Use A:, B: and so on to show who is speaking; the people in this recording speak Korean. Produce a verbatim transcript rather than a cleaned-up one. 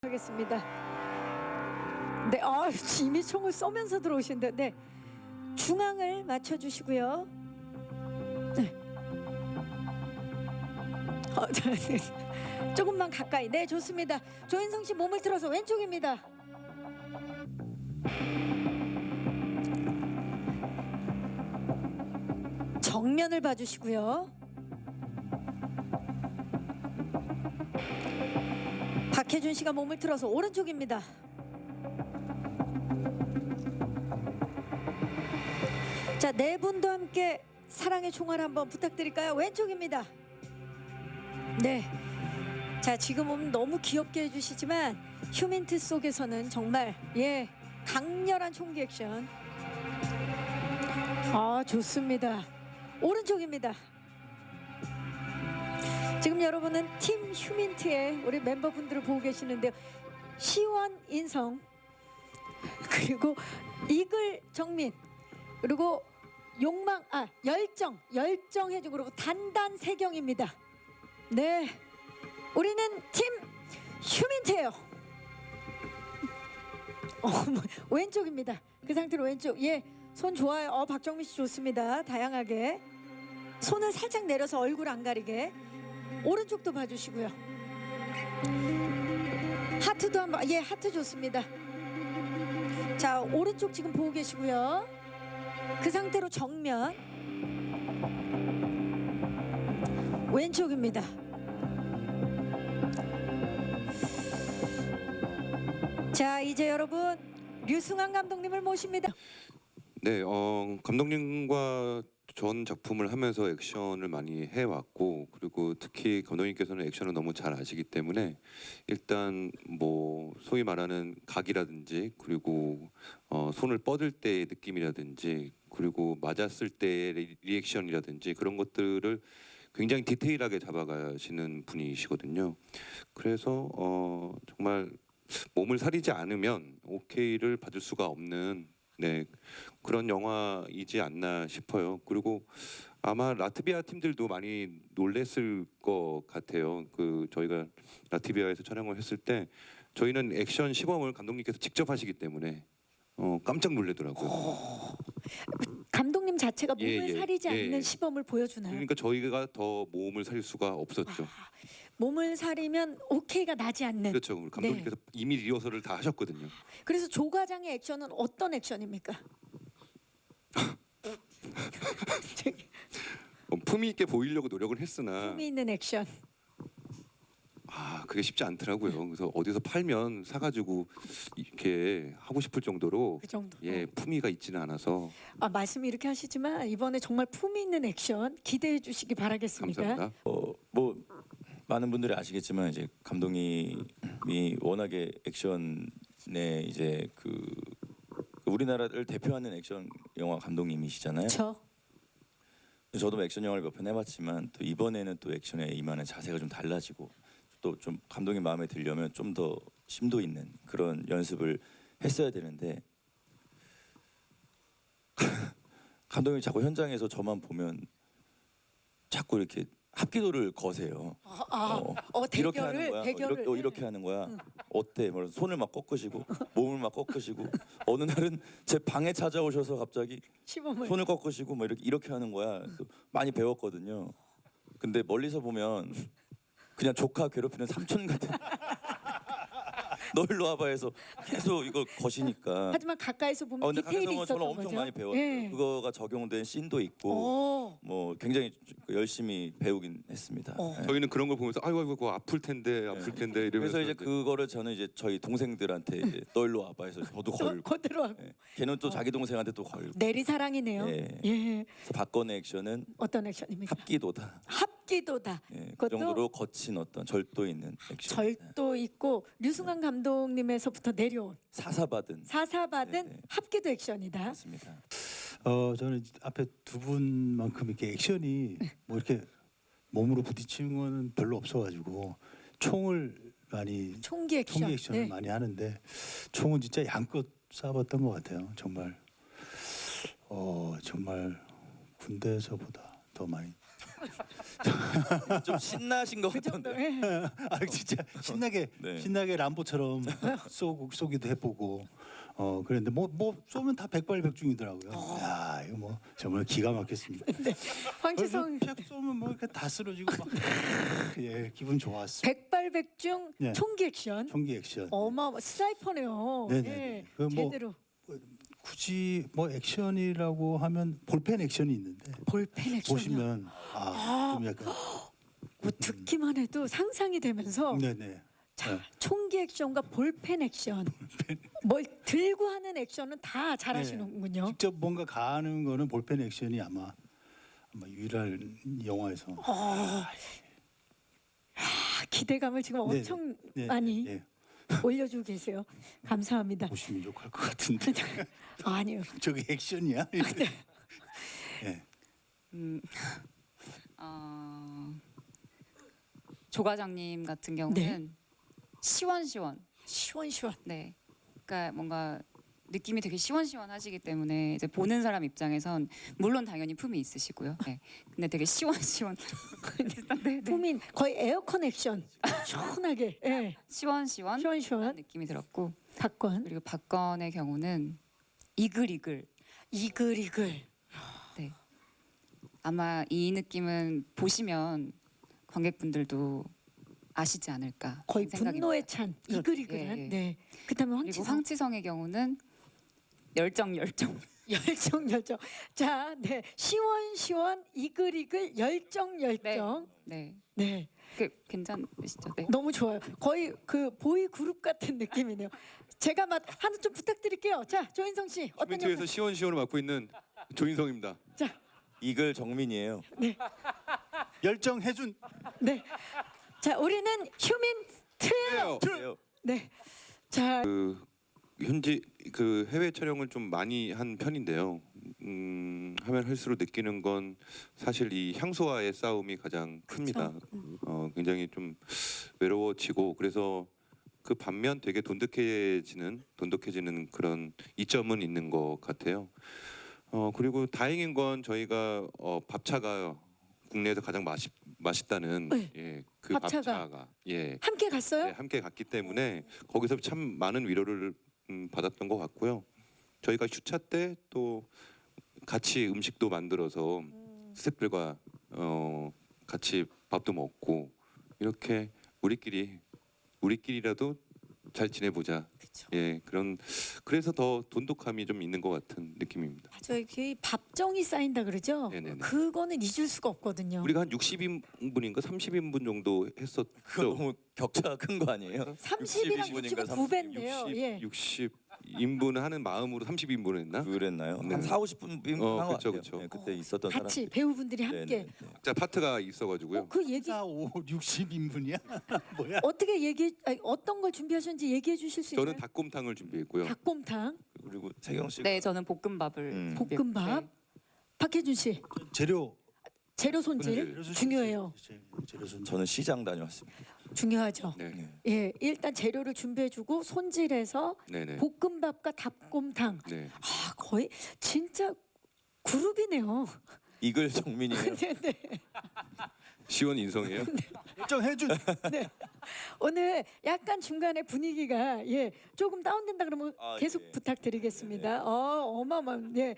A: 하겠습니다. 네, 아, 이미 총을 쏘면서 들어오신다. 네, 중앙을 맞춰주시고요. 네. 어, 자, 네. 조금만 가까이. 네, 좋습니다. 조인성 씨 몸을 틀어서 왼쪽입니다. 정면을 봐주시고요. 박혜준 씨가 몸을 틀어서 오른쪽입니다. 자, 네 분도 함께 사랑의 총알 한번 부탁드릴까요? 왼쪽입니다. 네. 자, 지금은 너무 귀엽게 해주시지만 휴민트 속에서는 정말 예 강렬한 총기 액션. 아, 좋습니다. 오른쪽입니다. 지금 여러분은 팀 휴민트의 우리 멤버분들을 보고 계시는데요. 시원 인성, 그리고 이글 정민, 그리고 욕망 아 열정 열정 해주고, 그리고 단단 세경입니다. 네, 우리는 팀 휴민트예요. 어, 왼쪽입니다. 그 상태로 왼쪽. 예, 손 좋아요. 어, 박정민 씨 좋습니다. 다양하게 손을 살짝 내려서 얼굴 안 가리게. 오른쪽도 봐주시고요. 하트도 한번. 예, 하트 좋습니다. 자, 오른쪽 지금 보고 계시고요. 그 상태로 정면. 왼쪽입니다. 자, 이제 여러분 류승환 감독님을 모십니다.
B: 네, 어, 감독님과 전 작품을 하면서 액션을 많이 해왔고, 그리고 특히 감독님께서는 액션을 너무 잘 아시기 때문에 일단 뭐 소위 말하는 각이라든지, 그리고 어, 손을 뻗을 때의 느낌이라든지, 그리고 맞았을 때의 리, 리액션이라든지 그런 것들을 굉장히 디테일하게 잡아가시는 분이시거든요. 그래서 어, 정말 몸을 사리지 않으면 오케이를 받을 수가 없는 네, 그런 영화이지 않나 싶어요. 그리고 아마 라트비아 팀들도 많이 놀랬을 것 같아요. 그 저희가 라트비아에서 촬영을 했을 때 저희는 액션 시범을 감독님께서 직접 하시기 때문에 어, 깜짝 놀래더라고요.
A: 오, 감독님 자체가 몸을
B: 예, 예,
A: 사리지
B: 예.
A: 않는 시범을 보여주나요?
B: 그러니까 저희가 더 몸을 살릴 수가 없었죠.
A: 아, 몸을 사리면 오케이가 나지 않는.
B: 그렇죠. 우리 감독님께서
A: 네.
B: 이미 리허설을 다 하셨거든요.
A: 그래서 조 과장의 액션은 어떤 액션입니까?
B: 어, 품위 있게 보이려고 노력을 했으나
A: 품이 있는 액션.
B: 아, 그게 쉽지 않더라고요. 그래서 어디서 팔면 사가지고 이렇게 하고 싶을 정도로
A: 그 정도.
B: 예, 품위가 있지는 않아서.
A: 아, 말씀 이렇게 하시지만 이번에 정말 품이 있는 액션 기대해 주시기 바라겠습니다.
B: 감사합니다.
C: 어, 뭐 많은 분들이 아시겠지만 이제 감독님이 워낙에 액션에 이제 그 우리나라를 대표하는 액션 영화 감독님이시잖아요.
A: 저
C: 저도 액션 영화를 몇 편 해봤지만 또 이번에는 또 액션에 임하는 자세가 좀 달라지고, 또 좀 감독님 마음에 들려면 좀 더 심도 있는 그런 연습을 했어야 되는데 감독님이 자꾸 현장에서 저만 보면 자꾸 이렇게 합기도를 거세요.
A: 아, 아,
C: 어,
A: 어,
C: 이렇게
A: 대결을
C: 하는 거야.
A: 대결을
C: 어, 이렇게, 어, 이렇게 하는 거야. 어때? 뭐 손을 막 꺾으시고 몸을 막 꺾으시고 어느 날은 제 방에 찾아오셔서 갑자기
A: 시범을.
C: 손을 꺾으시고 뭐 이렇게 이렇게 하는 거야. 그래서 많이 배웠거든요. 근데 멀리서 보면 그냥 조카 괴롭히는 삼촌 같은. 너 일로 와봐 해서 계속 이거 거시니까.
A: 하지만 가까이서 보면
C: 어, 근데
A: 디테일이
C: 가까이서 보면
A: 있었던
C: 저는 엄청
A: 거죠.
C: 많이 배웠어요.
A: 예.
C: 그거가 적용된 씬도 있고
A: 오.
C: 뭐 굉장히 열심히 배우긴 했습니다.
A: 어.
C: 예.
B: 저희는 그런 걸 보면서 아이고 아이고 그거 아플 텐데 아플 텐데 이러면서
C: 그래서 이제 그거를 저는 이제 저희 동생들한테 이제 너 일로 와봐 해서 저도 걸고.
A: 그대로 하고.
C: 예. 걔는 또 자기 동생한테 또 걸고.
A: 내리사랑이네요.
C: 예.
A: 예.
C: 그래서 박건의 액션은
A: 어떤 액션입니까?
C: 합기도다.
A: 합기도다.
C: 예. 그
A: 그것도
C: 정도로 거친 어떤 절도 있는 액션.
A: 절도 있고 류승환 감독님에서부터 내려온
C: 사사받은.
A: 사사받은
C: 네, 네.
A: 합기도 액션이다.
C: 맞습니다.
D: 어 저는 앞에 두 분만큼 이렇게 액션이 뭐 이렇게 몸으로 부딪히는 거는 별로 없어가지고 총을 많이
A: 총기 액션.
D: 총기 액션을
A: 네.
D: 많이 하는데 총은 진짜 양껏 쏴봤던 것 같아요. 정말 어 정말 군대에서보다 더 많이
C: 좀 신나신 것
A: 그 정도.
C: 같던데.
A: 예.
D: 아 진짜 신나게
C: 네.
D: 신나게 람보처럼 쏘고 쏘기도 해보고 어 그랬는데 뭐 뭐 쏘면 다 백발백중이더라고요. 야 이거 뭐 정말 기가 막혔습니다.
A: 네. 황치성
D: 쫙 쏘면 뭐 이렇게 다 쓰러지고 막 예 기분 좋았어.
A: 백발백중
D: 네.
A: 총기 액션.
D: 총기 액션.
A: 어마어마 스나이퍼네요.
D: 네네.
A: 예.
D: 그 뭐-
A: 제대로
D: 굳이 뭐 액션이라고 하면 볼펜 액션이 있는데
A: 볼펜 액션이요.
D: 보시면 아좀 약간
A: 뭐 듣기만 해도 상상이 되면서
D: 네네.
A: 자,
D: 네.
A: 총기 액션과 볼펜 액션 뭘 들고 하는 액션은 다 잘하시는군요.
D: 직접 뭔가 가는 거는 볼펜 액션이 아마 아마 유일한 영화에서
A: 아, 기대감을 지금
D: 네,
A: 엄청
D: 네,
A: 많이
D: 네,
A: 올려주고 계세요. 감사합니다.
D: 보시면 욕할 것 같은데
A: 아니요.
D: 저게 액션이야? 네.
E: 음, 어, 조 과장님 같은 경우는 시원시원.
A: 시원시원.
E: 네. 그러니까 뭔가 느낌이 되게 시원시원하시기 때문에 이제 보는 사람 입장에선 물론 당연히 품이 있으시고요. 네. 근데 되게 시원시원. 네, 네.
A: 품인 거의 에어컨 액션. 시원하게. 예.
E: 시원시원
A: 시원시원.
E: 느낌이 들었고
A: 박권.
E: 그리고 박건의 경우는 이글이글.
A: 이글이글.
E: 네. 아마 이 느낌은 보시면 관객분들도 아시지 않을까
A: 거의
E: 생각이
A: 분노에 찬 이글이글한.
E: 예, 예.
A: 네. 그다음에
E: 그리고
A: 황치성.
E: 황치성의 경우는 열정 열정.
A: 열정 열정. 자, 네. 시원시원 이글이글 열정 열정.
E: 네.
A: 네.
E: 그 괜찮으시죠? 네.
A: 너무 좋아요. 거의 그 보이 그룹 같은 느낌이네요. 제가 맛 하나 좀 부탁드릴게요. 자, 조인성 씨 어떤
B: 휴민트에서
A: 역할?
B: 시원시원을 맡고 있는 조인성입니다.
A: 자,
C: 이글 정민이에요.
D: 열정해준
A: 네. 자, 우리는 휴민트예요.
C: 그래요.
A: 네. 자,
B: 그 현지 그 해외 촬영을 좀 많이 한 편인데요. 음, 하면 할수록 느끼는 건 사실 이 향수와의 싸움이 가장 큽니다. 어, 굉장히 좀 외로워지고 그래서 그 반면 되게 돈독해지는 돈독해지는 그런 이점은 있는 것 같아요. 어, 그리고 다행인 건 저희가 어, 밥차가 국내에서 가장 맛있 맛있다는
A: 네.
B: 예, 그
A: 밥차가.
B: 밥차가 예.
A: 함께 갔어요?
B: 네, 함께 갔기 때문에 거기서 참 많은 위로를 음, 받았던 것 같고요. 저희가 휴차 때 또 같이 음식도 만들어서 스태프들과 어, 같이 밥도 먹고 이렇게 우리끼리 우리끼리라도 잘 지내보자.
A: 그렇죠.
B: 예, 그런 그래서 더 돈독함이 좀 있는 것 같은 느낌입니다.
A: 맞아요. 그 밥정이 쌓인다 그러죠.
B: 네네네.
A: 그거는 잊을 수가 없거든요.
B: 우리가 한 육십 인분인가 삼십 인분 정도
C: 그거
B: 했었죠.
C: 너무 격차가 큰 거 아니에요?
A: 삼십이랑
C: 육십
A: 육십은
C: 인분인가
A: 두 배인데요. 예.
B: 육십 인분 하는 마음으로 삼십 인분 했나?
C: 그랬나요?
B: 네.
C: 한 사오십 분
B: 어,
C: 한것
B: 그쵸,
C: 같아요.
B: 그쵸.
C: 네, 그때 있었던 사람.
A: 같이 배우분들이 함께.
C: 네네.
B: 자 파트가 있어가지고요.
A: 어, 그 얘기
D: 사, 오, 육십 인분이야? 뭐야?
A: 어떻게 얘기 아니, 어떤 걸 준비하셨는지 얘기해 주실 수 있나요?
B: 저는 닭곰탕을 준비했고요.
A: 닭곰탕,
C: 그리고 세경 씨.
E: 네, 저는 볶음밥을
C: 음.
E: 준비했-
A: 볶음밥.
E: 네.
A: 박혜준 씨
D: 재료
A: 재료 손질
B: 재료
A: 중요해요.
D: 재- 재료 손질.
C: 저는 시장 다녀왔습니다.
A: 중요하죠.
B: 네,
C: 네.
A: 예, 일단 재료를 준비해주고 손질해서
B: 네, 네.
A: 볶음밥과 닭곰탕.
B: 네.
A: 아 거의 진짜 그룹이네요.
C: 이글 정민이에요.
A: 네, 네.
B: 시원 인성이에요.
D: 열정해준
A: 오늘 약간 중간에 분위기가 예 조금 다운된다 그러면
C: 아,
A: 계속
C: 예.
A: 부탁드리겠습니다. 어 어마어마한 예.